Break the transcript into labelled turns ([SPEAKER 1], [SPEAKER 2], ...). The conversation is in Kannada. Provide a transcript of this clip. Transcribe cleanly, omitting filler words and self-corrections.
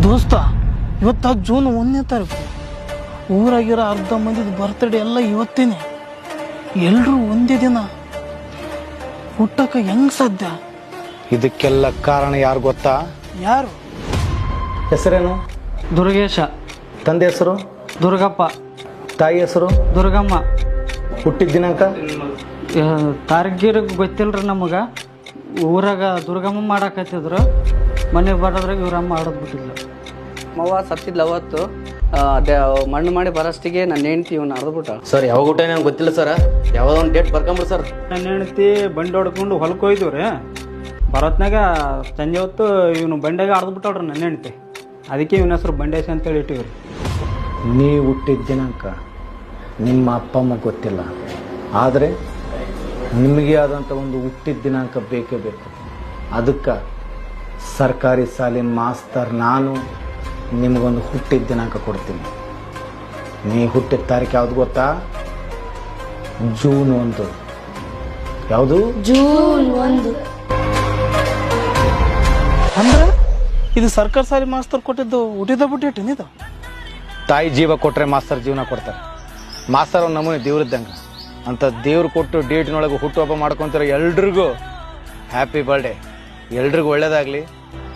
[SPEAKER 1] ದೋಸ್ತ ಇವತ್ತು ಜೂನ್ 1ನೇ ತಾರೀಕು. ಊರಾಗಿರೋ ಅರ್ಧ ಮಂದಿದ ಬರ್ತ್ಡೇ ಎಲ್ಲ ಇವತ್ತೇನೆ. ಎಲ್ಲರೂ ಒಂದೇ ದಿನ ಹುಟ್ಟಕ್ಕೆ ಹೆಂಗ್ ಸಾಧ್ಯ?
[SPEAKER 2] ಇದಕ್ಕೆಲ್ಲ ಕಾರಣ ಯಾರು ಗೊತ್ತಾ?
[SPEAKER 1] ಯಾರು?
[SPEAKER 2] ಹೆಸರೇನು?
[SPEAKER 3] ದುರ್ಗೇಶ.
[SPEAKER 2] ತಂದೆ ಹೆಸರು?
[SPEAKER 3] ದುರ್ಗಪ್ಪ.
[SPEAKER 2] ತಾಯಿ ಹೆಸರು?
[SPEAKER 3] ದುರ್ಗಮ್ಮ.
[SPEAKER 2] ಹುಟ್ಟಿದ ದಿನಾಂಕ?
[SPEAKER 3] ತಾರ್ಗಿರಿಗೆ ಗೊತ್ತಿಲ್ರಿ ನಮಗೆ. ಊರಾಗ ದುರ್ಗಮ್ಮ ಮಾಡಾಕತ್ತಿದ್ರು. ಮನೆಗೆ ಬರೋದ್ರಾಗ ಇವ್ರಮ್ಮ ಆಡೋದ್ಬಿಟ್ಟಿಲ್ಲ.
[SPEAKER 4] ಮವ್ವ ಸತ್ತಿದ್ಲ ಅವತ್ತು. ಅದೇ ಮಣ್ಣು ಮಾಡಿ ಬರೋಷ್ಟಿಗೆ ನನ್ನ ಹೆಂಡ್ತಿ ಇವನು ಅರ್ದ್ಬಿಟ್ಟ.
[SPEAKER 5] ಸರ್ ಯಾವಾಗ ಊಟ ನಂಗೆ ಗೊತ್ತಿಲ್ಲ ಸರ್. ಯಾವುದೋ ಒಂದು ಡೇಟ್ ಬರ್ಕೊಂಬಿಡಿ ಸರ್.
[SPEAKER 3] ನನ್ನ ಹೆಂಡತಿ ಬಂಡಿ ಹೊಡ್ಕೊಂಡು ಹೊಲಕ್ಕೆ ಹೋಯ್ತು ರೀ. ಬರೋತ್ನಾಗ ಸಂಜೆ ಹೊತ್ತು ಇವನು ಬಂಡೆಗೆ ಆಡ್ದ್ಬಿಟ್ಟವ್ರಿ ನನ್ನ ಹೆಂಡತಿ. ಅದಕ್ಕೆ ಇವನ ಹೆಸರು ಬಂಡೇಶ ಅಂತೇಳಿ ಇಟ್ಟಿವ್ರಿ.
[SPEAKER 2] ನೀವು ಹುಟ್ಟಿದ ದಿನಾಂಕ ನಿಮ್ಮ ಅಪ್ಪ ಅಮ್ಮ ಗೊತ್ತಿಲ್ಲ, ಆದರೆ ನಿಮಗೆ ಆದಂಥ ಒಂದು ಹುಟ್ಟಿದ ದಿನಾಂಕ ಬೇಕೇ ಬೇಕು. ಅದಕ್ಕೆ ಸರ್ಕಾರಿ ಶಾಲಿನ ಮಾಸ್ತರ್ ನಾನು ನಿಮಗೊಂದು ಹುಟ್ಟಿದ ದಿನಾಂಕ ಕೊಡ್ತೀನಿ. ನೀ ಹುಟ್ಟಿದ ತಾರೀಕು ಯಾವ್ದು ಗೊತ್ತಾ? ಜೂನ್ 1. ಯಾವುದು?
[SPEAKER 6] ಜೂನ್ 1.
[SPEAKER 1] ಅಂದ್ರೆ ಇದು ಸರ್ಕಾರ ಸಾಲಿ ಮಾಸ್ತರ್ ಕೊಟ್ಟಿದ್ದು ಹುಟ್ಟಿದ ಬಿಟ್ಟಿಟ್ಟಿನಿದು.
[SPEAKER 2] ತಾಯಿ ಜೀವ ಕೊಟ್ಟರೆ ಮಾಸ್ತರ್ ಜೀವನ ಕೊಡ್ತಾರೆ. ಮಾಸ್ತರ್ ಒಂದು ನಮೂನೆ ದೇವ್ರದ್ದಂಗೆ. ಅಂತ ದೇವ್ರು ಕೊಟ್ಟು ಡೇಟಿನೊಳಗೆ ಹುಟ್ಟುಹಬ್ಬ ಮಾಡ್ಕೊತಾರೆ. ಎಲ್ರಿಗೂ ಹ್ಯಾಪಿ ಬರ್ಡೇ. ಎಲ್ರಿಗೂ ಒಳ್ಳೇದಾಗಲಿ.